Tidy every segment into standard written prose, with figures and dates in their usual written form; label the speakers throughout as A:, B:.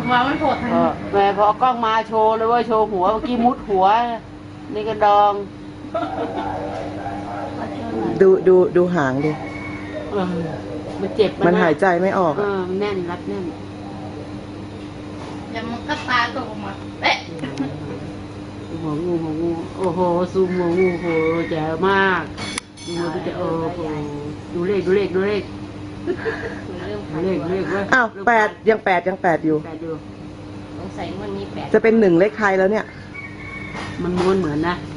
A: มาไม่โผล่ทัน
B: แม่พอกล้องมาโชว์เลยว่าโชว์หัวเมื่อกี้มุดหัวนี่กระดอง
C: ดูหางดิ
B: มันเจ็บ
C: มันหายใจไม่ออก
B: มันแน่นรัดแน่น
A: ยังมันก็ตาตกมาเอ๊ะ
B: หัวงูโอ้โหซูมหัวงูโหแจ๋วมากดูจะดูเลขว่า
C: อ้าวยังแปดอยู่
A: สงสัยวันนี้8
C: จะเป็น1เลขไทยแล้วเนี่ย
B: มันม้วนเหมือนนะ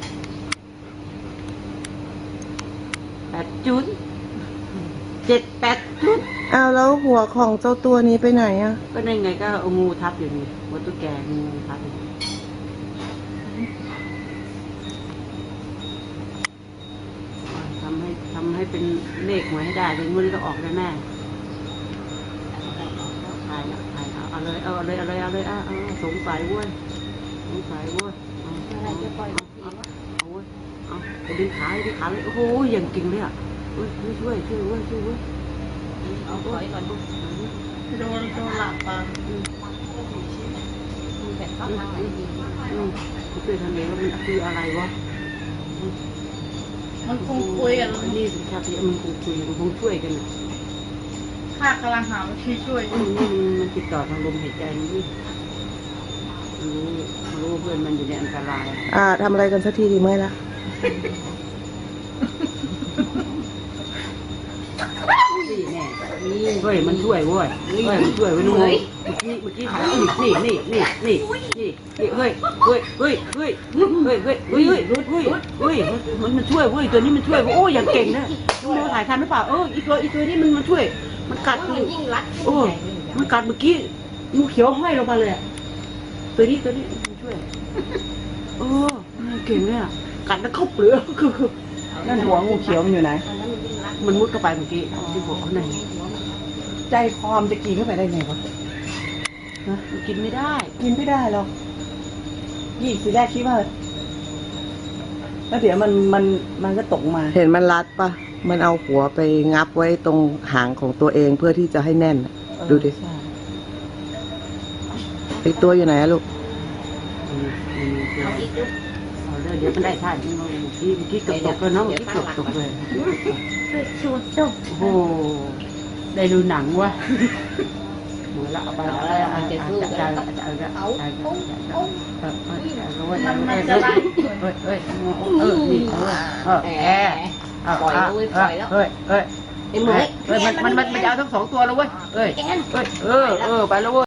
B: 8 จุด7 8 จุด
C: อ้าวแล้วหัวของเจ้าตัวนี้ไปไหนอ่ะ
B: ก็ได้ไงก็เอางูทับอยู่นี่หัวตุ๊กแกงูทับอยู่ทำให้เป็นเลขหวยให้ได้เลยงวดนี้ต้องออกแน่เอาเลยสงสัยเว้ย
A: อะไรจะปล่อย
B: เอาไปดึงขาเลยโอ้โหอย่างจริงเลยอ่ะช่วย
A: เอาถอยก่อนโดนหลับอ่ะแต่เขาทางไหนดี
B: ช่วยทำเองว่ามันคืออะไรวะ
A: มันคงคุยกัน
B: นี่สิครับมันคงคุยมันคงช่วยกัน
A: ข้ากำลังหาวิธีช่วย
B: มันติดต่อทางลมหายใจนี่รู้เพื่อนมันอยู่ในอันตราย
C: ทำอะไรกันสักทีดีไหมล่ะ
B: นี่แน่นี่เฮ้ยมันช่วยเว้ยมันช่วยเว้ยเมื่อกี้ถ่ายนี่เฮ้ยมันช่วยเว้ยตัวนี้มันช่วยโอ้อย่างเก่งนะดูถ่ายทันหรือเปล่าอีตัวนี้มันช่วยมันกัด
A: ยิ่งรัด
B: มันกัดเมื่อกี้งูเขียวห้อยลงมาเลยตัวนี้มันช่วยเก่งเนี่ยกัดแล้วเข้าเปลือกคือ
C: นั่นหัวงูเขียวมันอยู่ไหน
B: มันมุดเข้าไปเมื่อกี้ที่หัวเขาไหน
C: ใจคอมจะกินเข้าไปได้ไงวะ
B: มันกินไม่ได้
C: หรอกสีแรกคิดว่าแล้วเดี๋ยวมันก็ตกมาเห็นมันรัดปะมันเอาหัวไปงับไว้ตรงหางของตัวเองเพื่อที่จะให้แน่นดูดิอีกตัวอยู่ไหนลูก
A: เอาอีก
B: เดี๋ยวมันได้ท่าที่เมื่อกี้เกือบตกเลยเนาะเมื่อกี้เกือบตกเลยโอ้ได้ดูหนังวะหมดละเอาไปแล้ว
A: มันจะสู้กันมันจะไล่
B: นี่
A: ปล่อยแล้ว
B: ไอ้หมูมันจะเอาทั้ง2 ตัวแล้วเว้ยไปแล้วเว้ย